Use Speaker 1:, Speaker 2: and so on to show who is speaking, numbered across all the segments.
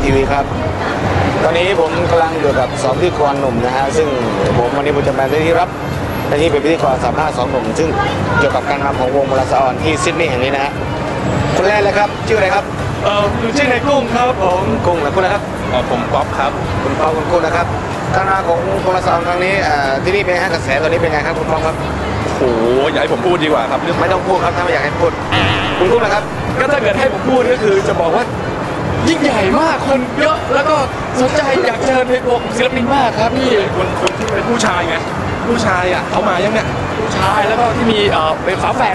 Speaker 1: ทีวีครับตอนนี้ผมกำลังอยู่กับ2พิธีกรหนุ่มนะฮะซึ่งวันนี้ผมจะมาได้ที่รับหน้าที่เป็นพิธีกรสัมภาษณ์2หนุ่มซึ่งเกี่ยวกับการมาของวงมลสออนที่ซิดนีย์แห่งนี้นะฮะคนแรกเลยครับชื่ออะไรครับ
Speaker 2: ชื่อในกุ้งครับผม
Speaker 1: กุ้งและคุณนะครับ
Speaker 2: ผมป๊อปครับ
Speaker 1: คุณป๊อปคุณกุ้งนะครับการมาของวงมลสออนครั้งนี้ที่นี่เป็นไงกระแสตอนนี้เป็นไงครับคุณป๊อปครับ
Speaker 2: โอ้อยากให้ผมพูดดีกว่าครับ
Speaker 1: ไม่ต้องพูดครับถ้าไม่อยากให้พูดคุณกุ้งนะครับ
Speaker 2: ก็ถ้าเกิดให้ผมพูดก็คือจะบอกว่ายิ่งใหญ่มากคนเยอะแล้วก็สนใจอยากเจอในวงศิลปินมากครับพี่คนที่เป็นผู้ชายไงผู้ชายอ่ะเขามายังเนี่ยผู้ชายแล้วก็ที่มีเป็นฝาแฝด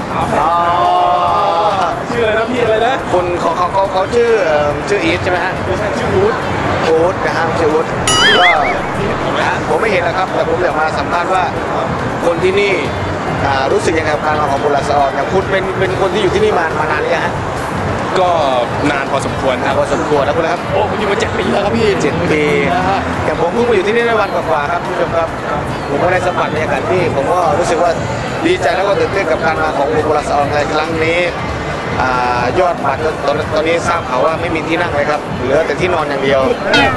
Speaker 2: ชื่ออะไรนะพี่อะไรนะ
Speaker 1: คุณเขาชื่ออีทใช่ไหมฮะ
Speaker 2: ไม่ใช่ชื่อวู
Speaker 1: ดนะฮะชื่อวูดก็ผมไม่เห็นนะครับแต่ผมอยากมาสัมภาษณ์ว่าคนที่นี่รู้สึกยังไงกับการมาของมลสออนอย่างคุณเป็นคนที่อยู่ที่นี่มานานหรือยังฮะ
Speaker 2: ก็นานพอสมควรครับ
Speaker 1: พอสมควรแล้วคุณครับ
Speaker 2: โอ้ผมอยู่มา7 ปีแล้วครับพี่
Speaker 1: 7 ปีอย่างผมเพิ่งมาอยู่ที่นี่ได้วันกว่าๆครับคุณผู้ชมครับผมก็ได้สัมผัสบรรยากาศที่ผมก็รู้สึกว่าดีใจแล้วก็ตื่นเต้นกับการมาของวงมลสออนในครั้งนี้ยอดบัตรตอนนี้ทราบข่าวว่าไม่มีที่นั่งเลยครับเหลือแต่ที่นอนอย่างเดียว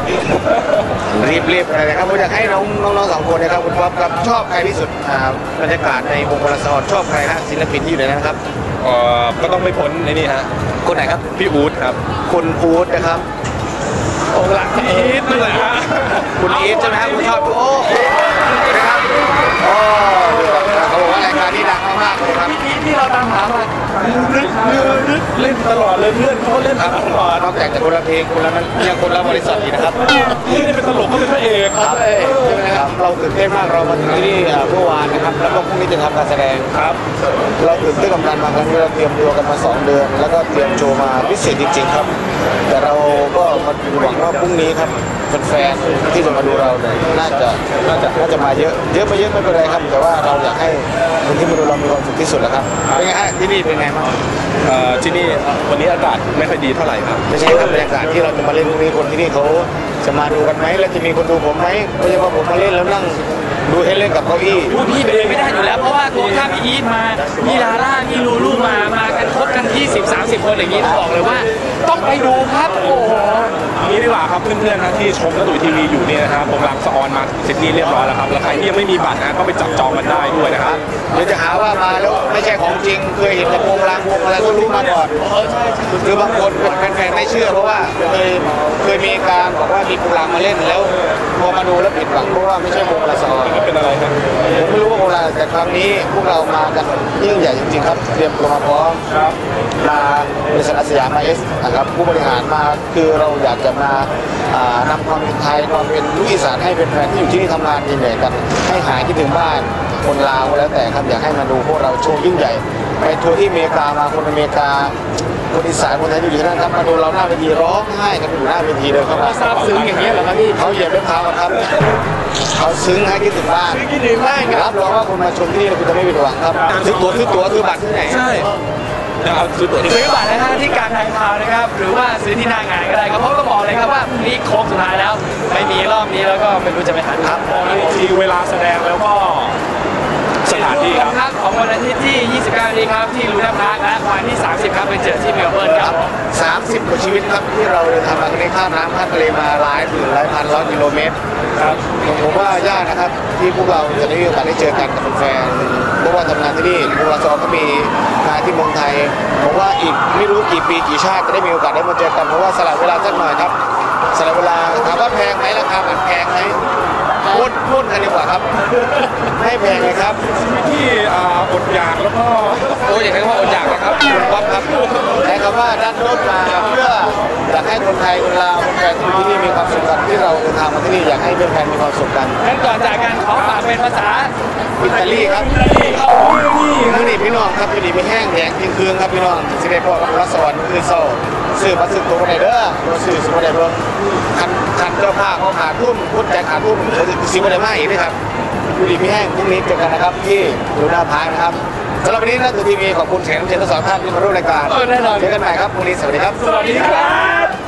Speaker 1: รีบอะไรนะครับผมอยากให้น้อง2คนนะครับคุณป๊อปครับชอบใครที่สุดบรรยากาศในวงมลสออนชอบใครฮะศิลปินที่อยู่ในนั้นครับ
Speaker 2: ก็ต้องไม่พ้นในนี่ฮะ
Speaker 1: คนไหนครับ
Speaker 2: พี่อู๊ดครับ
Speaker 1: คุณอู๊ดนะครับ
Speaker 2: องค์หลักพี่อีทนั่นแหละฮะ
Speaker 1: คุณอีทใช่ไหมครับคุณชอบโอ้นะครับโอ้เขาบอกว่ารายการนี้ดังมากๆเลยครับ
Speaker 2: ที่เราตามหามานึกเล่นตลอดเลยเพื่อนเขาเล่นตลอด
Speaker 1: นอกจากจะคนละเพลงคนละนั้นยังคนละบริษัทอีกนะครับ
Speaker 2: นี่เป็นตลกก็เป็นพระเอก
Speaker 1: ครับใช่ไหมครับเราตื่นเต้นมากเรามาถึงที่นี่เมื่อวานนะครับแล้วก็พรุ่งนี้จะทำการแสดง
Speaker 2: ครับ
Speaker 1: เราตื่นเต้นกับการมาครั้งนี้เราเตรียมตัวกันมา2 เดือนแล้วก็เตรียมโชว์มาพิเศษจริงๆครับแต่เราก็มาหวังว่าพรุ่งนี้ครับแฟนๆที่จะมาดูเราเนี่ยน่าจะมาเยอะไม่เป็นไรครับแต่ว่าเราอยากให้คนที่มาดูเรามีความสุขที่สุดแล้วครับเป็นไงฮะที่นี่เป็นไงบ้าง
Speaker 2: ที่นี่วันนี้อากาศไม่ค่อยดีเท่าไหร่ครับ
Speaker 1: ไม่ใช่ครับบรรยากาศที่เราจะมาเล่นพรุ่งนี้คนที่นี่เขาจะมาดูกันไหมแล้วจะมีคนดูผมไหมไม่ใช่ว่าผมมาเล่นแล้วนั่งดูให้เล่นกับเก้าอี้
Speaker 3: พี่ไปเลยไม่ได้อยู่แล้วเพราะว่าตัวข้าพี่อีทมาพี่ลาล่าพี่ลูลูมากันครบกัน20-30 คนอย่างนี้บอกเลยว่าต้องไปดูครับโอ้โห
Speaker 2: นี่ดีกว่าครับเพื่อนๆนะที่ชมกระตุยทีวีอยู่นี่นะครับผมรับสออนมาซิดนีย์เรียบร้อยแล้วครับแล้วใครที่ยังไม่มีบัตรนะก็ไปจับจองกันได้ด้วยนะครับ
Speaker 1: เดี๋ยวจะหาว่ามาแล้วไม่ใช่ของจริงเคยเห็นแต่วงรางวงอะไรก็รู้มาก่อนคือบางคนเป็นแฟนไม่เชื่อเพราะว่าเคยมีการบอกว่ามีวงรางมาเล่นแล้วพอมาดูแล้วผิดหวังเพราะว่าไม่ใช่วงมลสออน
Speaker 2: เป็นอะไรครับ
Speaker 1: ผมไม่รู้ว่าวงอะไรแต่ครั้งนี้พวกเรามากันยิ่งใหญ่จริงๆครับเตรียมตัวมาพร้อมมาบริษัทอาสยามมานะครับผู้บริหารมาคือเราอยากจะมานำความเป็นไทยความเป็นลูกอีสานให้เป็นแฟนที่อยู่ที่นี่ทำงานเหนื่อยกันให้หายคิดถึงบ้านคนลาวแล้วแต่ครับอยากให้มาดูพวกเราโชว์ยิ่งใหญ่ไปทัวร์ที่อเมริกามาคนอเมริกาคนอีสานคนไทยอยู่ที่นั่นครับมาดูเราหน้าเวทีร้องไห้กันอยู่หน้าเวทีเลยครับ
Speaker 3: ซาบซึ้งอย่างนี้เหรอครับพี่
Speaker 1: เขาเหยียบด้วยเท้าครับเขาซึ้งให้คิดถึงบ้านรับรองว่าคนมาชมที่นี่คุณจะไม่ผิดหวังครับซื้อตั๋วซื้อบัตรที่ไหน
Speaker 3: ใช่
Speaker 2: ซื้อ
Speaker 3: บัตรนะฮะที่การทางคาวนะครับหรือว่าซื้อที่หน้างานก็ได้ครับเพราะก็บอกเลยครับว่าพรุ่งนี้โค้งสุดท้ายแล้วไม่มีรอบนี้แล้วก็ไม่รู้จะไปทันครับ
Speaker 2: ทีเวลาแสดงแล้วก็สถานที่
Speaker 3: ครับของวันอาทิตย์ที่29นี้ครับที่ลูน่าพาร์คและวันที่30ครับไปเจอที่เมลเบิร์นครับ
Speaker 1: 30 กว่าชีวิตครับที่เราเดินทางมาในข้ามน้ำข้ามทะเลมาหลายพันร้อยกิโลเมตร
Speaker 2: ครับ
Speaker 1: ผมว่ายากนะครับที่พวกเราจะได้มีโอกาสได้เจอกันกับแฟนเพราะว่าทำงานที่นี่วงมลสออนก็มีงานที่เมืองไทยผมว่าอีกไม่รู้กี่ปีกี่ชาติจะได้มีโอกาสได้มาเจอกันเพราะว่าสละเวลาสักหน่อยครับสละเวลาถามว่าแพงไหมราคาแพงไหมพูดกันดีกว่าครับให้แพงเลยครับ
Speaker 2: ที่อดอยากแล้วก็
Speaker 1: อย่างนั้นว่าอดอยากนะครับคุณป๊อปครับใช้คำว่าด้านรถมาเพื่ออยากให้คนไทยคนลาวคนแฟนที่นี่มีความสุขกันที่เราเดินทางมาที่นี่อยากให้แฟนมีความสุขกัน
Speaker 3: งั้นก่อนจากกันขอฝากเป็นภาษา
Speaker 1: อิตาลีครับนี่พี่น้องครับอยู่ดีไม่แห้งแดงทิ้งคืนครับพี่น้องสิได้พอกับรัศดรคือโซ่ซื้อมาซื้อตัวไหนเด้อซื้อสุดไหนเบิ่งคันเจ้าภาพเขาขาดทุนพุทธใจขาดทุนซื้อมาได้มากอีกนะครับอยู่ดีไม่แห้งพรุ่งนี้เจอกันนะครับที่ลูน่าพาร์คนะครับสำหรับวันนี้นะทีวีขอบคุณแขกรับเชิญทั้ง2 ท่านที่มาร่วมรายการเจอกันใหม่ครับพรุ่งนี้สวัสดีครับ
Speaker 3: สวัสดีครับ